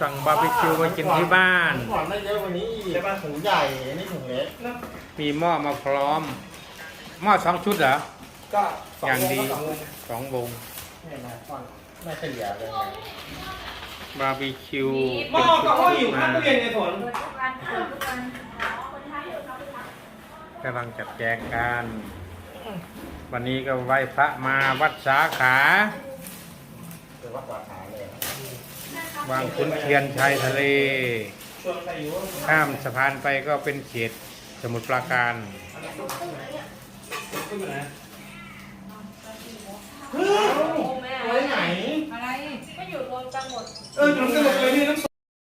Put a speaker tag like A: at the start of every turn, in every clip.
A: สั่งบาร์บีคิวมากินที่บ้าน
B: ก่อนได้เยอะกว่านี้อีกใช่ป่ะถุงใหญ่อันนี้ถุงเล็ก
A: มีหม้อมาพร้อม หม้อ2 ชุดเหรอ
B: ก็
A: อย่างดี
B: 2
A: 2 วง
B: เนี่ยนะก่อนไม่เฉลี่ยเลย
A: บาร์บีคิว
C: หม้อกับหม้ออยู่ข้างตู้เย็นในสวน
A: กำลังจัดแจงกัน วันนี้ก็ไหว้พระมาวัดสาขา
B: หรือว่าสาขาเลย
A: วางขุนเทียนชายทะเล
C: ชวนใครอยู่
A: ข้ามสะพานไปก็เป็นเขตสมุทรปราการ
C: ตู้อยู่ไหน
B: ไว้ไหน
D: อะไรก็อยู่รวมกันหมด
C: อยู่กันหมดเลยนี่น้ำ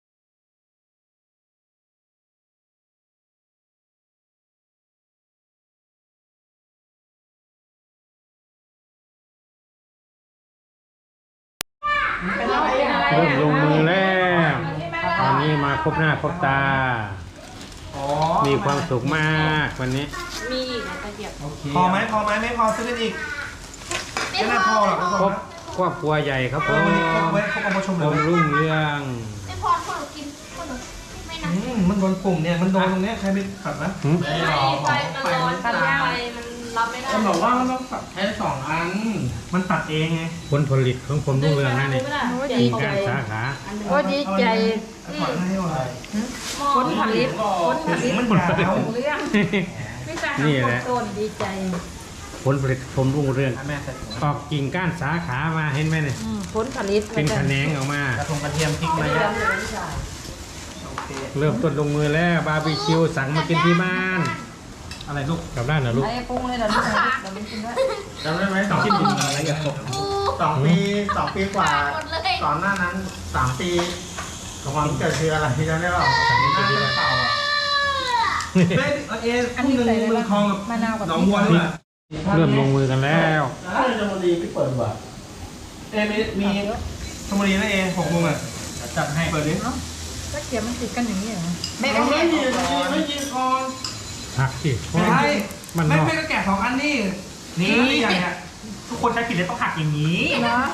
A: เริ่มลงมือแล้ว ตอนนี้มาครบหน้าครบตา มีความสุขมากวันนี้
D: มีอีกนะตะเกียบ
C: พอไหมไม่พอซื้อกันอีกไม่น่าพอหรอกทุก
A: ค
C: ค
A: ร
C: น
A: บครอบครัวใหญ่ครับผม
C: วันนี้ครบไว้ครบเอามาชม
A: ผ
C: เลย
A: มรุ่งเรือง
E: ไม่พอคนหนูกินคนหนูไม่นะ
C: มันโดนปุ่มเนี่ยมันโดนตรงเนี้ยใครไปตัดนะ
D: ไฟมันร้อนไฟมันรับไม่ได้
C: มันบอกว่ามันต้องตัดแค่2 อัน มันตัดเองไง
A: ผลผลิตของผมรุ่งเรืองนั่นเองมีการสาขา
D: โอ้ดีใจ
C: ถอดให้หน่อย
D: ผลผลิตผลผลิต
C: มันหมดแล้ว
D: เรื่องไม่ใช่
A: นี่แหละ
D: ต้นดีใจ
A: ผลผลิตผมรุ่งเรือง
C: แม่ใส่ถุง
A: ออกกิ่งก้านสาขามาเห็นไหมเนี่ย
D: ผลผลิต
A: เป็นแขนงออกมา
C: กระทงกระเทียมพริกมาโอเค
A: เริ่มต้นลงมือแล้วบาร์บีคิวสั่งมากินที่บ้าน
C: อะไรลูก
A: กลับด้านเหรอลูก
D: ไอ้ปรุงเลยเดี๋ยวนี้เดี๋ยวนี้กินด้วย
B: จำได้ไหม
C: คิดถึงอะไรกับผม
B: 2 ปีกว่า
E: หมดเลย
B: ก่อนหน้านั้น3 ปีความเกิดคืออะไรจำได้เปล่าน่าจะเป่าอ่ะ
C: เอ๊ะคู่หนึ่งเมืองทองกับ
D: มะนาวกับ
C: หนองบัวด้วย
A: เริ่มลงมือกันแล้ว
B: ถ้าจะมาดีพี่เปิดดีกว่า
C: มีชมบุรีนะ6 โมงอ่ะจัดให้เปิดดิ
D: ก็เขียนมันติดกันอย่างนี้เหรอ
C: ไม่
B: ไม่ยินไม่ยินก่อน
A: หักสิ
C: ใช่
A: มันนอก
C: ไม่ก็แกะ2 อันนี่นี่อย่างเงี้ยทุกคนใช้ผิดเลยต้องหักอย่างนี้
D: เนาะ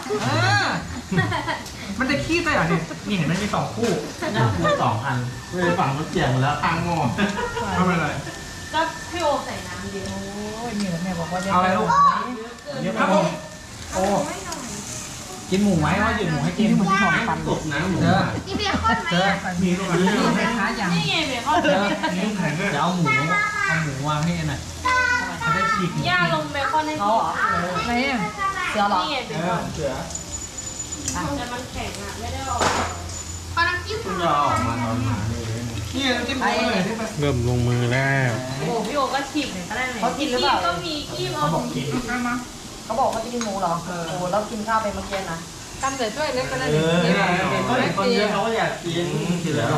C: มันจะขี้ได้เหรอเนี่ยนี่เห็นไหมมี2 คู่
B: พูด2 อันไม่ฝั่งมันเกี่ยงแล้ว
C: ทางงอทำอะไร
D: ก็พี่โอใส่น้ำเดียวโอ้ยนี่แหละแม่บอกว่า
C: เอาอะไรลูก
B: ครับผมโอ้กินหมูไหมว่าหมูให้กิน
C: มันหอมปัน
B: กบนะหมู
E: กินเบียร์ข้นไหมอ่ะ
C: มีลูกอันนี้
D: แม่ค้าอย่างนี่ไงเบคอน
C: มีลูกแข็งด้วย
B: จะเอาหมูวางให้หน่อย
C: จะได้ฉีก
D: ย่าลงเบคอนให้เขาเหรอไหนอ่ะเสือเหรอนี่ไงเบคอน
B: เสือ
D: แต่มันแข็งอ่ะไม่ได้ออก
E: ขอน้ำจิ้ม
B: คุณจะออกมาตอนหาเลย
C: นี่จิ้มโค้งเลยที่ไป
A: เริ่มลงมือแล้ว
D: โอ้พี่โอก็ฉีกหน่อยก็ได้เลยเขากินหรือเปล่าก็มีขี้เอา
C: บอกกิน
D: เขาบอกเขาจะกินหมูเหรอโอ้แล้วกินข้าวไปเมื่อกี้นะทำเสร็จด้วยเล็กก็ได้
B: เขาเห็นคนเยอะเขาก็อยากกินทีแล้ว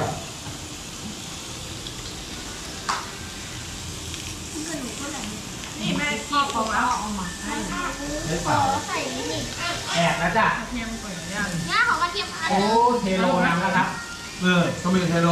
D: นี่แม่ขี้ของเอาออกมา
B: ไม่เปล่า
E: ใส่นี่นี่
C: แอบนะจ๊ะ
E: ง่าของกระเทียมพัน
C: โอ้เทโลนำนะครับต้องมีเทโล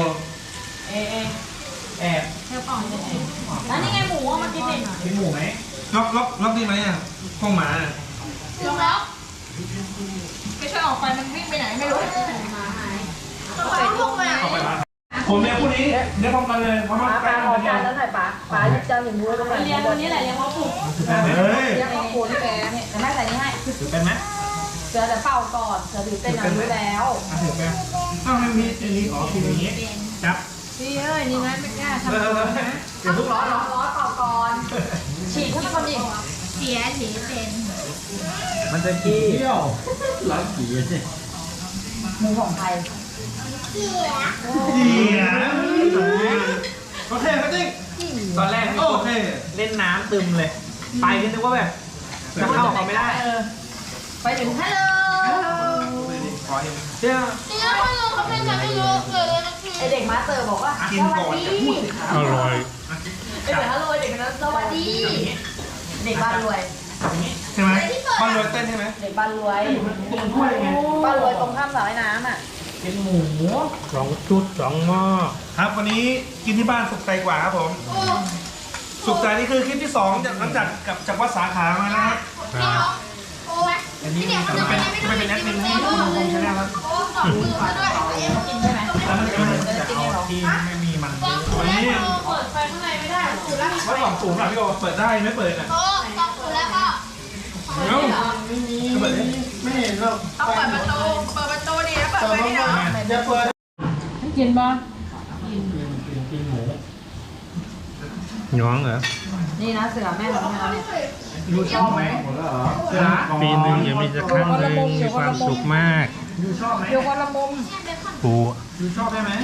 C: แอบ
D: แล้วนี่ไงหมูมากินเอง
C: กินหมูไหมล็อกดีไหมอ่ะห้องหมา
E: ถึงแล้ว
D: ไม่ช่วยออกไปมันวิ่งไปไหนไม่รู้
E: ต้องไปพวกมา
C: ออกไปบ้านผมเนี่ยคู่นี้เดี๋ยวพร้อมกันเลยเพราะว่าใกล้กันเนี่ย
D: แล้วถ่ายป๋าจะหนึ่งมือตรงไหนเรียนวันนี้แหละเรียนพ่อปู่
C: เฮ้ย
D: เรียนพ่อปู่ที่แกเนี่ยแต่แม่ใส่นี่ให้
C: ถือเป็นไหม
D: เสือแต่เป่าก่อนเสือถือเป็นรู้แล้ว
C: ถือเป็นต้องให้มีอันนี้กินอย่างนี้จับ
D: พี่เอ้ยนี่นะไม่กล้าทำ
C: เดี๋ยวทุกร้อน
D: ร้อนเป่าก่อนฉีกให้มันคนอีก
E: เสียสีเป็น
B: มันจะกี้เที่ยวร้านผีเนี่ย
D: หมูของไทย
E: เสีย
C: เหี้ยโอเคครับจิ๊กตอนแรกโอเคเล่นน้ำตึมเลย ไปนึกว่าแบบจะเข้าเขาไม่ได้
D: ไปถึงฮัลโหล
C: ขอเห็นเชื่อ
E: เนื้อไม่รู้เขาเป็นกันไม่รู้เลยนะพี่
D: ไอเด็กมาสเตอร์บอกว่า
C: กินก่อนจะพูดสิครับ
A: อร่อย
D: ไอเด็กฮัลโหลเด็กนั้นสวัสดีเด็กบ้านรวย
C: ใช่ไหมบ้านรวยเต้นใช่ไหม
D: เด็กบ้านรวย
C: มันถ้วยไง
D: บ้านรวยตรงข้ามสระว่ายน้ำอ่ะ
C: เป็นหมู
A: 2 ชุด 2 หม้อ
C: ครับวันนี้กินที่บ้านสุขใจกว่าครับผม
E: โอ้
C: สุขใจนี่คือคลิปที่2จากหลังจากกลับจากวัดสาขามานะครับ
A: ครับ
E: โอ้ย
C: เห็นอันนี้จะเป็นแอดมินให้คุณคงใช่ไหมครับ
E: โอ้สองมือมาด้วย
D: กินใช่ไหม
C: แล้วมันจะเอาที่ไม่มีมันวันนี้
E: เปิดไฟข้างในไม่ได้ถูกแล้ว
C: ว่าสองสูงอ่ะพี่โอเปิดได้ไม่เปิดอ่ะ
E: โต๊ะสองถูกแล้วก็
C: เอ้า
B: ไม่มีไม่เห็นหรอก
D: ต้องเปิดประตูดิแล้วเปิดไฟไม่ได้
B: จะเปิด
D: กินบ่
B: กินหมู
A: หยองเหรอ
D: นี่นะเสือแม่ของเราเนี่ย
C: ยูชอบไหม
B: หมดแล้วเหรอ
C: เสือ
A: ปีหนึ่งอย่ามีสักครั้งหนึ่งมีความสุขมาก
C: ยูชอบไหม
D: อยู่คนละมุม
A: ปู
C: ยูชอบได้ไหม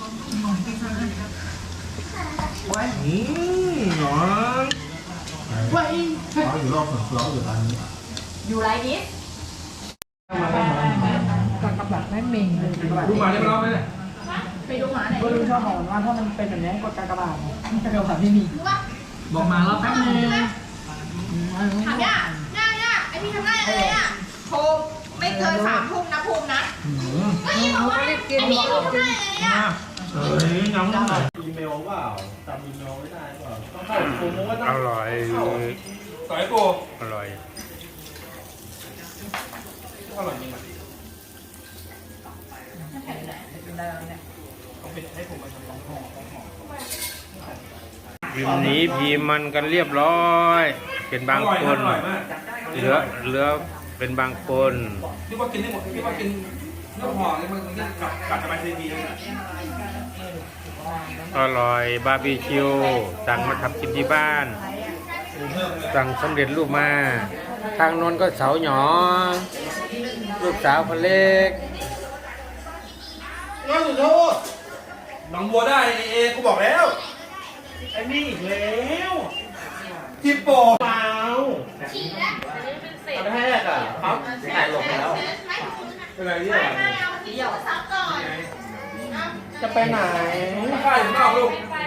C: หนอน
B: เขาอยู่รอบสวนเขาอยู่ร้านนี้
D: อยู่ไรนี้กับแบบไม่มี
C: ดูมาได้ไหมรอบไหมเนี่ย
D: ไปดูหมาไหนก็รู้ชอบหอนว่าถ้ามันเป็นแบบนี้กดกากบาทกากบาทไม่มี
C: บอกมารอบแป๊บนึง
E: ถามย่าไอพี่ทำได้อะไรอ่ะ
D: ภูมิไม่เกิน3 ทุ่มนะภูมินะ
E: ไอ้บอกว่าไอพี่ทำได้อะไรอ่ะ
C: เฮ้ยน้องหน่อย
B: อีเมลเปล่าจำอีเมลไม่ได้เปล่าต้องเข้าโปรโมท
A: อร่อย
C: สายโก
A: อร่อย
C: อร่อยจริงอ่ะ
A: วิมนี้พีมันกันเรียบร้อย เป็นบางคน
C: อร่อยมาก
A: เหลือเป็นบางคน
C: ที่ว่ากินได้หมดที่ว่ากินเนื้อห่อนี่มันกัดจะไปทีดีเลย
A: อร่อยบาร์บีคิวสั่งมาทำกินที่บ้าน สั่งสำเร็จรูปมา ทางโน้นก็เสาหยองลูกสาวคนเล็ก
B: น้องอยู่โทษ
C: น้องบัวได้เอกูบอกแล้ว
B: ไอ้นี่อีกแล้วจิปโปเปล่า
E: ฉีดแล้ว
B: ตอนแรกอ่ะครับถ่ายลงแล้วเป็นไรเนี่ย
E: ไม่เอาที่เดียวซักก่อน
B: จะไปไหน
C: ใช่ผมเอาลูก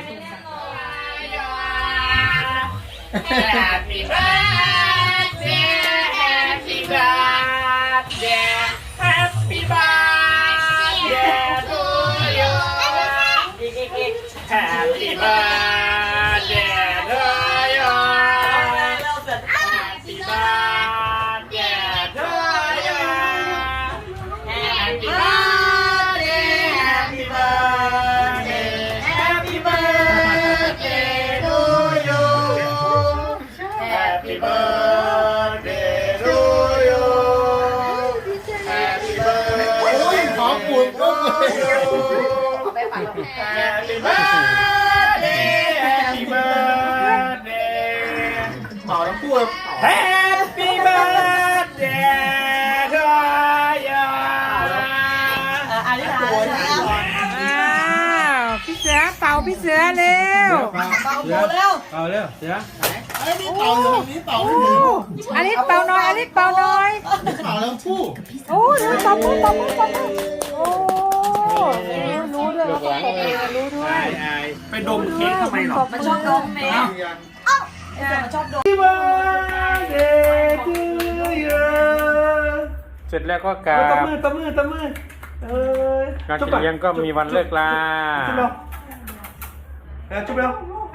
E: Happy birthday Happy birthday Happy birthday to you
C: Happy birthday to you
E: Happy birthday to you Happy birthday Happy birthday Happy birthday to you
B: Happy birthday to you Happy birthday โอ้ยขอปุ่นก็เลย
D: ไปฝัน
B: Happy birthday Happy birthday เป่าทั้งคู่เลย
C: Happy birthday to you
D: อันนี้นะ
F: อ้าวพี่เสือเป่าพี่เสือเร็ว
D: เบาโบเร็ว
A: เอาเร็วเสือ
B: ไอ้นี่เป่าอยู่ตรงนี้เป่าไม่ถึง
F: อันนี้เป่าน้อยอันนี้เป่าน้อย
B: เป่าทั้งคู่
F: โอ้ดูเป่ามือเป่ามือเป่ามือโอ้รู้ด้วยว่าต้องปกมือรู้ด้วย
C: ไปดมเค้กทำไมหรอ
D: มันชอบดมแม่เสือมันชอบดม
C: Happy birthday to you
A: เสร็จแล้วก็กรา
C: ตบ
A: บ
C: มือตบมือตบมือเอ้ย
A: งานกินเลี้ยงก็มีวันเลิกลา
C: จุ๊บเร็วจุ๊บเร็ว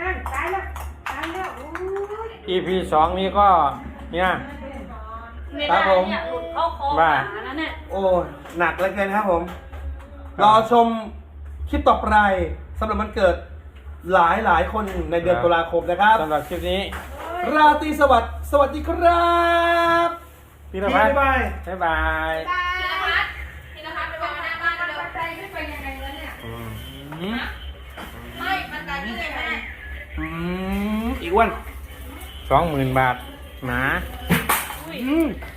A: EP 2 นี้ก็เนี่ยครับผมว่า
C: โอ้หนักเหลือเกินครับผม รอชมคลิปต่อไปสำหรับวันเกิดหลายคนในเดือนตุลาคมนะครับ
A: สำหรับคลิปนี้
C: ราตรีสวัสดิ์สวัสดีครับ
A: พี่นภัส
C: บ๊ายบาย
A: บ๊ายบาย
E: พี่นภัสไปบอกหน้าบ้านเร็วใจไม่ไปยังไงแล้วเนี่ย ไม่ มันการที่ไหนแม่
C: อีกวัน
A: 20,000 บาทหมา